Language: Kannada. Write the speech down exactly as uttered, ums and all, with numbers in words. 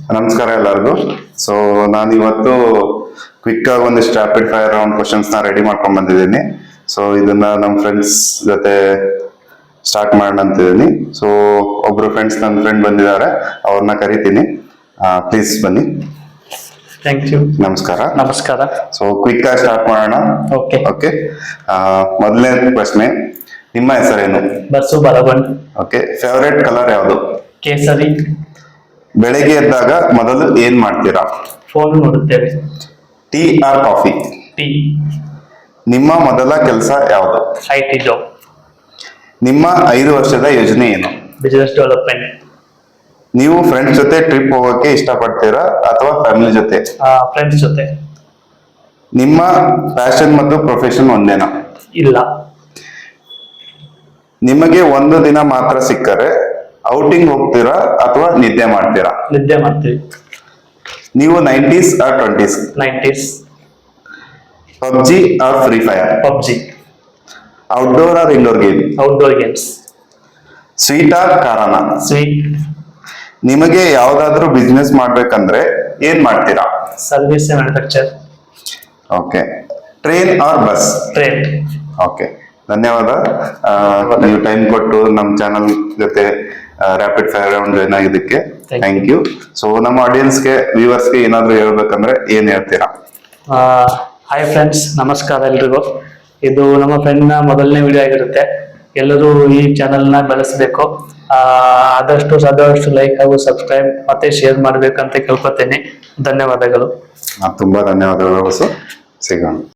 ನಮಸ್ಕಾರ ಎಲ್ಲರಿಗೂ. ಸೊ ನಾನು ಇವತ್ತು ಕ್ವಿಕ್ ಆಗಿ ಒಂದಿಷ್ಟು ರ್ಯಾಪಿಡ್ ಫೈರ್ ರೌಂಡ್ ಕ್ವಶನ್ಸ್ ನ ರೆಡಿ ಮಾಡ್ಕೊಂಡ್ ಬಂದಿದ್ದೀನಿ. ಸೊ ಇದನ್ನ ನಮ್ಮ ಫ್ರೆಂಡ್ಸ್ ಜೊತೆ ಸ್ಟಾರ್ಟ್ ಮಾಡೋಣ ಅಂತಿದ್ದೀನಿ. ಸೊ ಒಬ್ರು ಫ್ರೆಂಡ್ಸ್ ನನ್ನ ಫ್ರೆಂಡ್ ಬಂದಿದ್ದಾರೆ, ಅವ್ರನ್ನ ಕರಿತೀನಿ. ಪ್ಲೀಸ್ ಬನ್ನಿ. Thank you. ನಮಸ್ಕಾರ. ನಮಸ್ಕಾರ. ಸೊ ಕ್ವಿಕ್ ಆಗಿ ಸ್ಟಾರ್ಟ್ ಮಾಡೋಣ. ಓಕೆ ಓಕೆ ಮೊದಲನೇ ಪ್ರಶ್ನೆ, ನಿಮ್ಮ ಹೆಸರೇನು? ಬಸ್ಸು ಬಲಗೊಂಡ್. ಓಕೆ ಫೇವರೇಟ್ ಕಲರ್ ಯಾವುದು? ಕೇಸರಿ. ಬೆಳಗ್ಗೆ ಎದ್ದಾಗ ಮೊದಲು ಏನ್ ಮಾಡ್ತೀರಾ? ಫೋನ್ ನೋಡುತ್ತೇವೆ. Tea or coffee? ಟೀ. ನಿಮ್ಮ ಮೊದಲ ಕೆಲಸ ಯಾವುದು? I T job. ನಿಮ್ಮ ಐದು ವರ್ಷದ ಯೋಜನೆ ಏನು? Business development. ನೀವು ಫ್ರೆಂಡ್ಸ್ ಜೊತೆ ಟ್ರಿಪ್ ಹೋಗೋಕೆ ಇಷ್ಟಪಡ್ತೀರಾ ಅಥವಾ ಫ್ಯಾಮಿಲಿ ಜೊತೆ? ಫ್ರೆಂಡ್ಸ್ ಜೊತೆ. ನಿಮ್ಮ ಪ್ಯಾಷನ್ ಮತ್ತು ಪ್ರೊಫೆಷನ್ ಒಂದೇನಾ? ಇಲ್ಲ. ನಿಮಗೆ ಒಂದು ದಿನ ಮಾತ್ರ ಸಿಕ್ಕರೆ ಔಟಿಂಗ್ ಹೋಗ್ತೀರಾ ಅಥವಾ ನಿದ್ದೆ ಮಾಡ್ತೀರಾ? ನಿದ್ದೆ ಮಾಡ್ತೀವಿ. ನೀವು nineties or twenties? Nineties. PUBG or free fire? PUBG. Outdoor or indoor game? Outdoor games. Sweet or ಖಾರಾನ? ಸ್ವೀಟ್. ನಿಮಗೆ ಯಾವ್ದಾದ್ರು ಬಿಸ್ನೆಸ್ ಮಾಡ್ಬೇಕಂದ್ರೆ ಏನ್ ಮಾಡ್ತೀರಾ? Service manufacture. Okay train or bus? Train. Okay ಧನ್ಯವಾದ. ಆ, ನೀವು ಟೈಮ್ ಕೊಟ್ಟು ನಮ್ಮ ಚಾನಲ್ ಜೊತೆ ರ್ಯಾಪಿಡ್ ಫೈರ್ ರೌಂಡ್ ಜಾಯ್ನ್ ಆಗಿದ್ದಕ್ಕೆ Thank ಥ್ಯಾಂಕ್ ಯು. ಸೊ ನಮ್ಮ ಆಡಿಯನ್ಸ್ಗೆ ವ್ಯೂವರ್ಸ್ಗೆ ಏನಾದ್ರು ಹೇಳ್ಬೇಕಂದ್ರೆ ಏನ್ ಹೇಳ್ತೀರಾ? ಹಾಯ್ ಫ್ರೆಂಡ್ಸ್, ನಮಸ್ಕಾರ ಎಲ್ರಿಗೂ. ಇದು ನಮ್ಮ ಫ್ರೆಂಡ್ನ ಮೊದಲನೇ ವಿಡಿಯೋ ಆಗಿರುತ್ತೆ. ಎಲ್ಲರೂ ಈ ಚಾನೆಲ್ನ ಬೆಳೆಸಬೇಕು. ಆದಷ್ಟು ಸಾದಷ್ಟು ಲೈಕ್ ಹಾಗೂ ಸಬ್ಸ್ಕ್ರೈಬ್ ಮತ್ತೆ ಶೇರ್ ಮಾಡ್ಬೇಕಂತ ಕೇಳ್ಕೊತೇನೆ. ಧನ್ಯವಾದಗಳು. ತುಂಬಾ ಧನ್ಯವಾದಗಳು. ಸಿಗೋಣ.